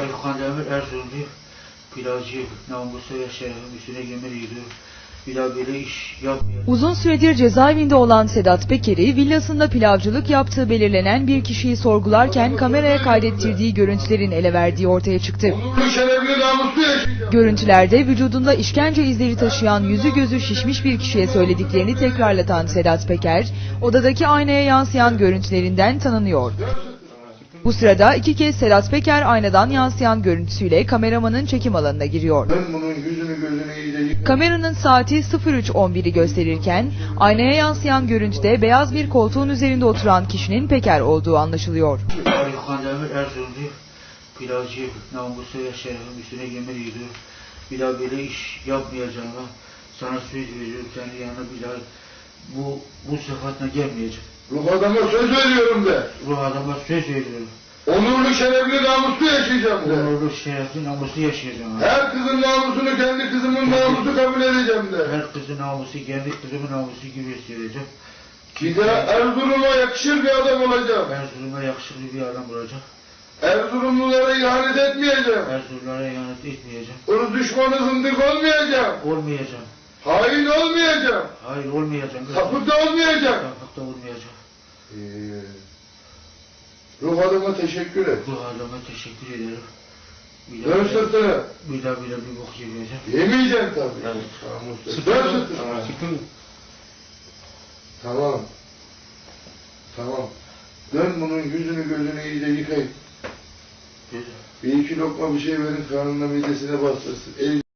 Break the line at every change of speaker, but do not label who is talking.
Aylıkan Demir Erzurumlu pilavcı namusu ve şerefim üstüne yemin ediyor. Bir daha böyle iş yapmayacağım.
Uzun süredir cezaevinde olan Sedat Peker'i villasında pilavcılık yaptığı belirlenen bir kişiyi sorgularken kameraya kaydettirdiği görüntülerin ele verdiği ortaya çıktı.
Onurlu, şerefli, namuslu yaşayacağım.
Görüntülerde vücudunda işkence izleri taşıyan yüzü gözü şişmiş bir kişiye söylediklerini tekrarlatan Sedat Peker, odadaki aynaya yansıyan görüntülerinden tanınıyor. Bu sırada iki kez Sedat Peker aynadan yansıyan görüntüsüyle kameramanın çekim alanına giriyor.
Ben bunun yüzünü gözünü iyice yıkayım.
Kameranın saati 03:11'i gösterirken aynaya yansıyan görüntüde beyaz bir koltuğun üzerinde oturan kişinin Peker olduğu anlaşılıyor.
Aylıkan Demir Erzurumlu pilavcı namusu ve şerefim üstüne yemin ediyor. Bir daha böyle iş yapmayacağım. Sana söz veriyorum, kendi yanına bir daha bu sıfatla gelmeyeceğim.
Ruh adama söz veriyorum de.
Ruh adama söz veriyorum.
Onurlu, şerefli, namuslu yaşayacağım de.
Onurlu, şerefli, namuslu yaşayacağım.
Her kızın namusunu kendi kızımın namusu kabul edeceğim de.
Her kızın namusu, kendi kızımın namusu gibi hissedeceğim.
Bir de Erzurum'a yakışır bir adam olacağım.
Erzurum'a yakışıklı bir adam olacak.
Erzurumlulara ihanet etmeyeceğim.
Erzurumlara ihanet etmeyeceğim.
Irz düşmanı zındık olmayacağım.
Olmayacağım.
Hain olmayacağım.
Hayır, olmayacağım.
Sapık da olmayacağım.
Sapık da olmayacağım.
Ruh adama teşekkür et.
Bu adama teşekkür ederim.
Dön sırtını.
Bir daha bir bok yemeyeceğim.
Yemeyeceksin tabii.
Evet.
Dön sırtını. Tamam. Tamam. Dön bunun yüzünü gözünü iyice yıkayın. Bir iki lokma bir şey verin, karnına midesine bastırsın.